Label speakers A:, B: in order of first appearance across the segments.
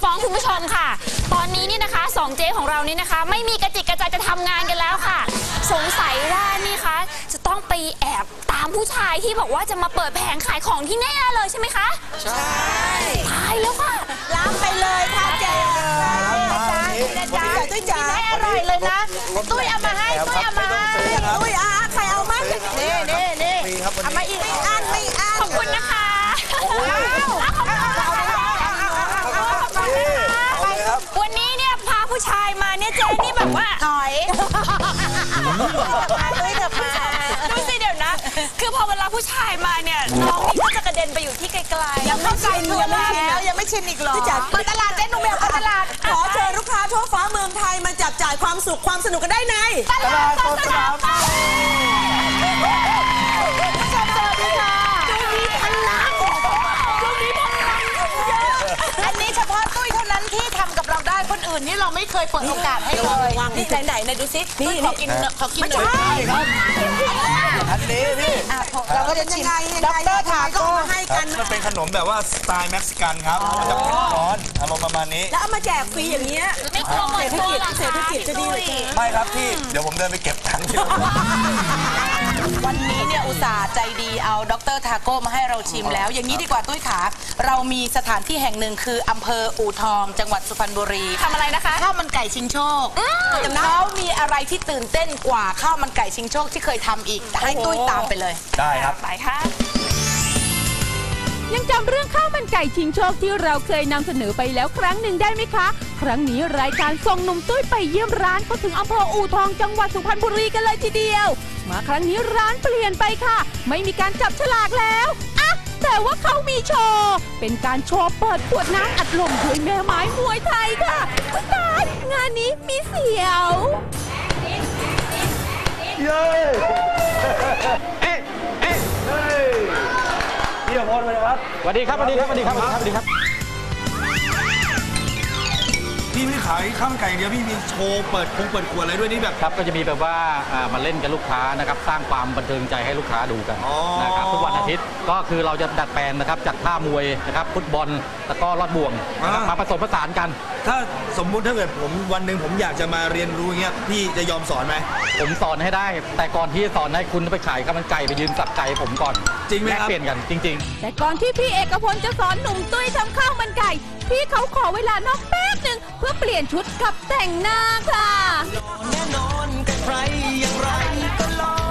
A: ฟ้องคุณผู้ชมค่ะตอนนี้นี่นะคะ2เจ๊ของเรานี่นะคะไม่มีกระจิกกระใจจะทำงานกันแล้วค่ะสงสัยว่านี่คะจะต้องไปแอบตามผู้ชายที่บอกว่าจะมาเปิดแผงขายของที่แน่เลยใช่ไหมคะใช่ตายแล้วค่ะ
B: รับไปเลยค่ะเจ๊จ้าตุ้ยจ๋าให้อร่อยเลยนะตุ้ยเอามาให้ตุ้ยเอามาให้ตุ้ยใครเอามานี่เอามาอีกไม่อั้น
A: ขอบคุณนะคะวันนี้เนี่ยพาผู้ชายมาเนี่ยเจนี่แบบว่า
B: ถอยตุ้ยเถอะมา
A: ดูสิเดี๋ยวนะคือพอเวลาผู้ชายมาเนี่ยน้องนี่ก็จะกระเด็นไปอยู่ที่ไกลๆ
B: ยังไม่ชินยังไม่ชินอีกหรอพี่จ๋าเปิดตลาดเจ๊หนุ่มแมวเปิดตลาดขอเชิญลูกค้าทั่วฟ้าเมืองไทยมาจับจ่ายความสุขความสนุกกันได้ใน
A: ตลาดสดสนามเป้า
B: สวัสดีค่ะดูมีพลังอันนี้เฉพาะตุ้ยเท่านั้นที่ทำกับเราได้คนอื่นนี่เราไม่เคยเปิดโอกาสให้เลยนี่ไหนดูซิตุ้ยขอกินหน่อย
C: ครับอันนี้พี่
B: เราก็จะชิมด็อกเตอร์ถาก็มาให้กัน
C: มันเป็นขนมแบบว่าสไตล์เม็กซิกันครับมันจะเป็นร้อนอารมณ์ประมาณนี้
B: แล้วเอามาแจกฟรีอย่างเงี้ย
A: ไม่กลัวหมดตัวหรอ
B: เศรษฐกิจจะดีเลย
C: ไม่ครับพี่เดี๋ยวผมเดินไปเก็บตังค์
B: วันนี้เนี่ยอุตส่าห์ใจดีเอาด็อกเตอร์ทาโก้มาให้เราชิมแล้วอย่างนี้ดีกว่าตุ้ยขาเรามีสถานที่แห่งหนึ่งคืออำเภออู่ทองจังหวัดสุพรรณบุรี
A: ทำอะไรนะคะ
B: ข้าวมันไก่ชิงโชคเขามีอะไรที่ตื่นเต้นกว่าข้าวมันไก่ชิงโชคที่เคยทำอีกให้ตุ้ยตามไปเลย
C: ได้ครับ
A: ไปค่ะ
D: ยังจำเรื่องข้าวมันไก่ชิงโชคที่เราเคยนำเสนอไปแล้วครั้งหนึ่งได้ไหมคะครั้งนี้รายการส่งหนุ่มตุ้ยไปเยี่ยมร้านเขาถึงอำเภออู่ทองจังหวัดสุพรรณบุรีกันเลยทีเดียวมาครั้งนี้ร้านเปลี่ยนไปค่ะไม่มีการจับฉลากแล้วอะแต่ว่าเขามีโชว์เป็นการโชว์เปิดขวดน้ำอัดลมด้วยแม่ไม้มวยไทยค่ะตายงานนี้มีเสียว
C: เย้พี่อภรณ์เลยครับ
E: สวัสดีครับพี่
C: ไม่ขายข้าวมันไก่เดียวพี่มีโชว์เปิดขวดอะไรด้วยนี่แบบ
E: ครับก็จะมีแบบว่ามาเล่นกับลูกค้านะครับสร้างความบันเทิงใจให้ลูกค้าดูกันนะครับทุกวันอาทิตย์ก็คือเราจะดัดแปลงนะครับจัดท่ามวยนะครับฟุตบอลแล้วก็ลอดบ่วงมาผสมผสานกัน
C: ถ้าสมมุติถ้าเกิดผมวันหนึ่งผมอยากจะมาเรียนรู้เงี้ยพี่จะยอมสอนไหม
E: ผมสอนให้ได้แต่ก่อนที่จะสอนให้คุณไปขายข้าวมันไก่ไปยืนสับไก่ผมก่อน
C: จริงไหมครับ
E: เปลี่ยนกันจริง
D: ๆแต่ก่อนที่พี่เอกพลจะสอนหนุ่มตุ้ยทำข้าวมันไก่พี่เขาขอเวลานอกแป๊บหนึ่งเพื่อเปลี่ยนชุดกับแต่งหน้าค่ะแน่นอนกับใครอย่างไรก็รอ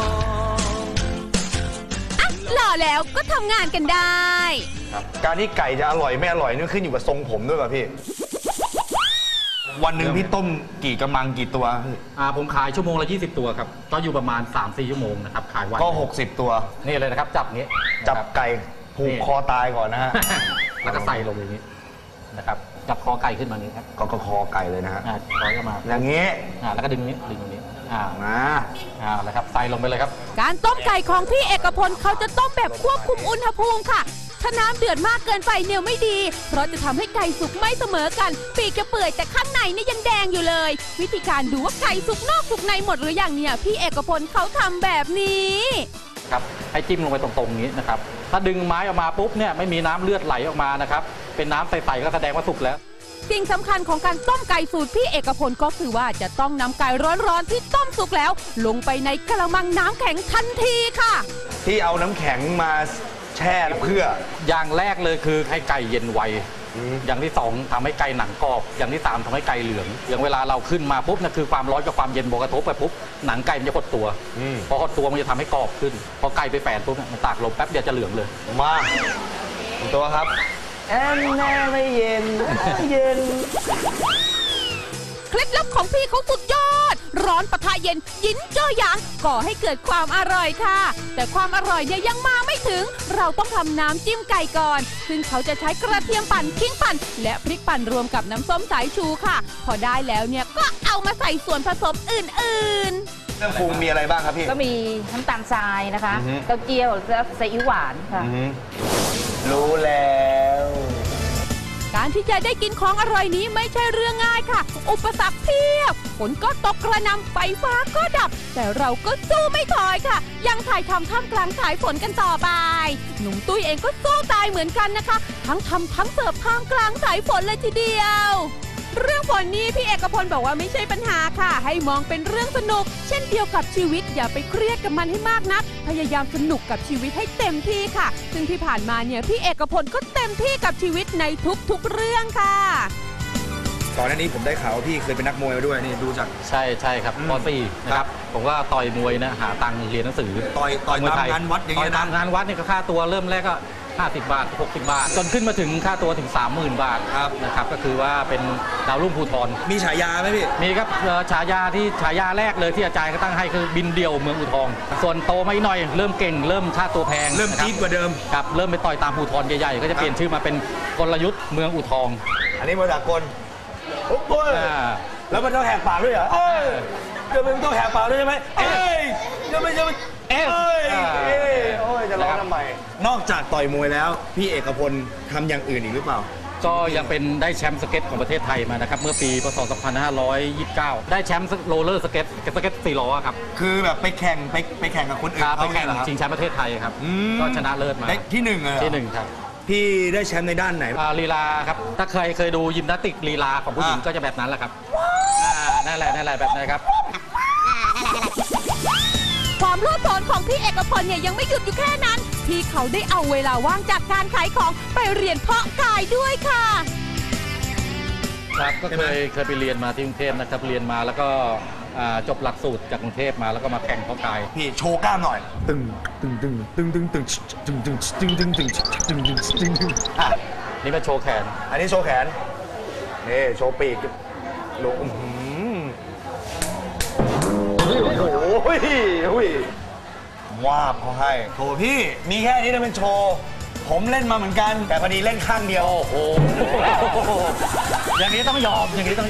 D: หล่อแล้วก็ทำงานกันได้
C: การที่ไก่จะอร่อยไม่อร่อยนี่ขึ้นอยู่กับทรงผมด้วยป่ะพี่วันหนึ่งพี่ต้มกี่กระมังกี่ตัว
E: ผมขายชั่วโมงละ20 ตัวครับก็อยู่ประมาณ 3-4 ชั่วโมงนะครับขายวัน
C: ก็60 ตัว
E: นี่เลยนะครับจับงี้
C: จับไก่ผูกคอตายก่อนนะฮะ
E: แล้วก็ใส่ลงอย่างนี้นะครับจับคอไก่ขึ้นมานี้ครับ
C: ก็คอไก่เลยนะฮะ
E: คอจะมา
C: อย่างนี้
E: แล้วก็ดึงนี้แล้วครับใส่ลงไปเลยครับ
D: การต้มไก่ของพี่เอกพลเขาจะต้มแบบควบคุมอุณหภูมิค่ะถ้าน้ำเดือดมากเกินไปเนี่ยไม่ดีเพราะจะทำให้ไก่สุกไม่เสมอกันปีกจะเปื่อยแต่ข้างในเนี่ยยังแดงอยู่เลยวิธีการดูว่าไก่สุกนอกสุกในหมดหรือยังเนี่ยพี่เอกพลเขาทำแบบนี้
E: ครับให้จิ้มลงไปตรงๆนี้นะครับถ้าดึงไม้ออกมาปุ๊บเนี่ยไม่มีน้ำเลือดไหลออกมานะครับเป็นน้ำใสๆก็แสดงว่าสุกแล้ว
D: สิ่งสำคัญของการต้มไก่สูตรพี่เอกพลก็คือว่าจะต้องนำไก่ร้อนๆที่ต้มสุกแล้วลงไปในกระมังน้ำแข็งทันทีค่ะ
C: ที่เอาน้ำแข็งมาแช่เพื่อ
E: อย่างแรกเลยคือให้ไก่เย็นไวอย่างที่2ทำให้ไก่หนังกรอบอย่างที่3ทำให้ไก่เหลืองอย่างเวลาเราขึ้นมาปุ๊บนั่นคือความร้อนกับความเย็นบวกกระทบไปปุ๊บหนังไก่มันจะหดตัวพอหดตัวมันจะทำให้กรอบขึ้นพอไก่ไปแฝนปุ๊บมันตากลมแป๊บเดียวจะเหลืองเลย
C: มาตัวครับแอนแน่ไม่เย็น
D: เคล็ดลับของพี่เขาสุดยอดร้อนปะทะเย็นยินเจ้าหยางก่อให้เกิดความอร่อยค่ะแต่ความอร่อยเนี่ยยังมาไม่ถึงเราต้องทำน้ำจิ้มไก่ก่อนซึ่งเขาจะใช้กระเทียมปั่นขิงปั่นและพริกปั่นรวมกับน้ำส้มสายชูค่ะพอได้แล้วเนี่ยก็เอามาใส่ส่วนผสมอื่นๆ
C: เครื่องปรุงมีอะไรบ้างครับพี่
F: ก็มีน้ำตาลทรายนะคะเต้าเจี้ยวและซีอิ๊วหวานค่ะ
C: รู้แล้ว
D: การที่จะได้กินของอร่อยนี้ไม่ใช่เรื่องง่ายค่ะอุปสรรคเพียบฝนก็ตกกระหน่ำไฟฟ้าก็ดับ แต่เราก็สู้ไม่ถอยค่ะ ยังถ่ายทำท่ามกลางสายฝนกันต่อไปหนุ่มตุ้ยเองก็สู้ตายเหมือนกันนะคะทั้งทำทั้งเสิร์ฟท่ามกลางสายฝนเลยทีเดียวเรื่องฝนนี้พี่เอกพลบอกว่าไม่ใช่ปัญหาค่ะให้มองเป็นเรื่องสนุกเช่นเดียวกับชีวิตอย่าไปเครียดกับมันให้มากนักพยายามสนุกกับชีวิตให้เต็มที่ค่ะซึ่งที่ผ่านมาเนี่ยพี่เอกพลก็เต็มที่กับชีวิตในทุกๆเรื่องค่ะ
C: ก่อนหน้านี้ผมได้ข่าวว่าพี่เคยเป็นนักมวยมาด้วยนี่ดูจาก
E: ใช่ครับป .4 นะครับผมก็ต่อยมวยนะหาตังค์เรียนหนังสือ
C: ต่อยตามงานวัดอย่าง
E: ต่อ
C: เงี้
E: ย
C: ย
E: ตามงานวัดนี่ก็ค่าตัวเริ่มแรกก็50 บาท 60 บาท จนขึ้นมาถึงค่าตัวถึง 30,000 บาทนะครับก็คือว่าเป็นดาวรุ่งภูธร
C: มีฉายาไหมพี่
E: มีครับฉายาแรกเลยที่อาจารย์ก็ตั้งให้คือบินเดียวเมืองอู่ทอง ส่วนโตมาอีกหน่อยเริ่มเก่งเริ่มค่าตัวแพง
C: เริ่มจี๊ดกว่าเดิม
E: ครับเริ่มไปต่อยตามภูธรใหญ่ๆก็จะเปลี่ยนชื่อมาเป็นกลยุทธ์เมืองอู่ทอง
C: อันนี้มาจากกลโอ้ยแล้วมันต้องแหกปากด้วยเหรอเอ้ยจะเป็นต้องแหกปากด้วยใช่ไหมเอ้ยจะไม่โอ้ยจะร้องทำไมนอกจากต่อยมวยแล้วพี่เอกพลทำอย่างอื่นอีกหรือเปล่า
E: ก็ยังเป็นได้แชมป์สเก็ตของประเทศไทยมานะครับเมื่อปีพศ 2529 ได้แชมป์โรลเลอร์สเก็ต4 ล้อครับ
C: คือแบบไปแข่งกับคนอื่น
E: ไปแข่งชิงแชมป์ประเทศไทยครับก็ชนะเลิศมา
C: ได้ที่1เลย
E: ที่1ครับ
C: พี่ได้แชมป์ในด้านไหน
E: ลีลาครับถ้าเคยดูยิมนาสติกลีลาของผู้หญิงก็จะแบบนั้นแหละครับนั่นแหละแบบนั้นครับ
D: ความโลดโผนของพี่เอกพลเนี่ยยังไม่หยุดอยู่แค่นั้นที่เขาได้เอาเวลาว่างจากการขายของไปเรียนเพาะกายด้วยค่ะ
E: ครับก็เคยไปเรียนมาที่กรุงเทพนะครับเรียนมาแล้วก็จบหลักสูตรจากกรุงเทพมาแล้วก็มาแข่งเพาะกาย
C: พี่โชว์กล้ามหน่อยตึง
E: นี่เป็นโชว์แขน
C: อันนี้โชว์แขนนี่โชว์ปีกโอ้โหว่าบเขาให้โถพี่มีแค่นี้นะเป็นโชว์ผมเล่นมาเหมือนกันแต่พอดีเล่นข้างเดียว
E: โอ้โหอย่างนี้ต้องยอม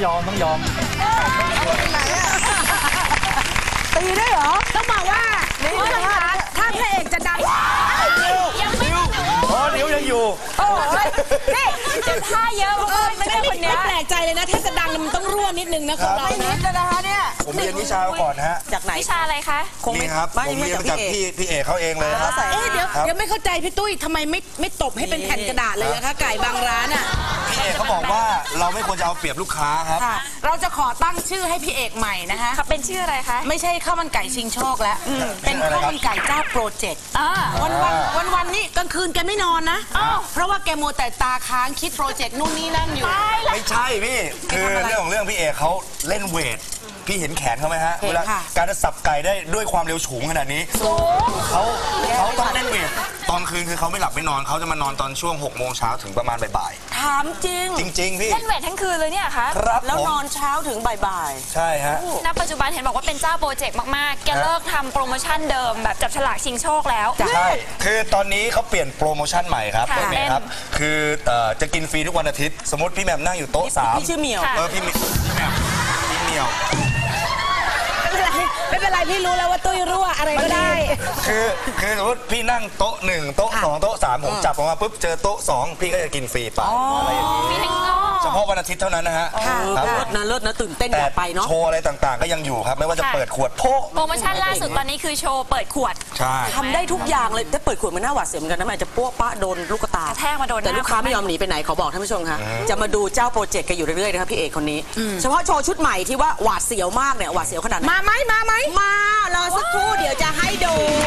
B: ตีได้เหรอต้องบอกว่าถ้าพระเอกจะดัง
A: ยังไม่ได้
C: นิ้วยังอยู่
B: โอ้ยนี่
A: จะท่าเยอะไม่ได้คนนี้
B: ไม่แปลกใจเลยนะถ้าจะดังมันต้องรั่วนิดนึงนะของเราไม่นิดนะคะเนี่ย
C: ผมเรียนวิชาก่อนฮะ
B: จากไหน
A: วิชาอะไรคะ
C: นี่ครับผมเรียนมาจากพี่เอกเขาเองเลยครับ
B: เดี๋ยวไม่เข้าใจพี่ตุ้ยทำไมไม่ตบให้เป็นแผ่นกระดาษเลยนะคะไก่บางร้านอ่ะ
C: พี่เอกเขาบอกว่าเราไม่ควรจะเอาเปรียบลูกค้าครับ
B: เราจะขอตั้งชื่อให้พี่เอกใหม่นะคะ
A: เป็นชื่ออะไรคะ
B: ไม่ใช่ข้าวมันไก่ชิงโชคแล้วเป็นข้าวมันไก่เจ้าโปรเจกต์วันนี้กลางคืนแกไม่นอนนะเพราะว่าแกมัวแต่ตาค้างคิดโปรเจกต์นู่นนี่นั่นอยู่
C: ไม่ใช่พี่คือเรื่องของเรื่องพี่เอกเขาเล่นเวทพี่เห็นแขนเขาไหมฮะเวลาการจะสับไก่ได้ด้วยความเร็วสูงขนาดนี้เขาต้องเล่นเวทตอนคืนคือเขาไม่หลับไม่นอนเขาจะมานอนตอนช่วง6 โมงเช้าถึงประมาณบ่าย
B: ถามจริง
C: พี่
A: เล่นเวททั้งคืนเลยเนี่ยคะ
C: ครับ
B: แล้วนอนเช้าถึงบ่าย
C: ใช่ฮะ
A: ณปัจจุบันเห็นบอกว่าเป็นเจ้าโปรเจกต์มากๆแกเลิกทำโปรโมชั่นเดิมแบบจับฉลากชิงโชคแล้ว
C: ใช่คือตอนนี้เขาเปลี่ยนโปรโมชั่นใหม่ครับครับคือจะกินฟรีทุกวันอาทิตย์สมมติพี่แหม่มนั่งอยู่โต๊ะ3
B: พี่ชื่อเหมียว
C: พี่แหม่มพี่เหมียว
B: ไม่เป็นไรพี่รู้แล้วว่าตุ้ยรั่วอะไรก็ได้
C: คือสมมติพี่นั่งโต๊ะ1โต๊ะ2โต๊ะ3ผมจับออกมาปุ๊บเจอโต๊ะ2พี่ก็จะกินฟรีไปอะไรอย่างนี้เฉพาะวันอาทิตย์เท่านั้นนะฮะ
B: เลิศนะตื่นเต้นอยากไปเนาะ
C: โชว์อะไรต่างๆก็ยังอยู่ครับไม่ว่าจะเปิดขวดโ
A: ปรโมชั่นล่าสุดตอนนี้คือโชว์เปิดขวด
C: ใช่
B: ทำได้ทุกอย่างเลยแต่เปิดขวดมันน่าหวาดเสียวเหมือนกันนะมันจะปั้วปะโดนลูกตา
A: แทกมาโดน
B: แต่ลูกค้าไม่ยอมหนีไปไหนขอบอกท่านผู้ชมค่ะจะมาดูเจ้าโปรเจกต์กันอยู่เรื่อยๆนะครับพี่เอกคนนี้เฉพาะโชว์ชุดใหม่ที่ว่าหวาดเสียวมากเนี่ยหวาดเสียวขนาดไหนมารอสักครู่เดี๋ยวจะให้ดู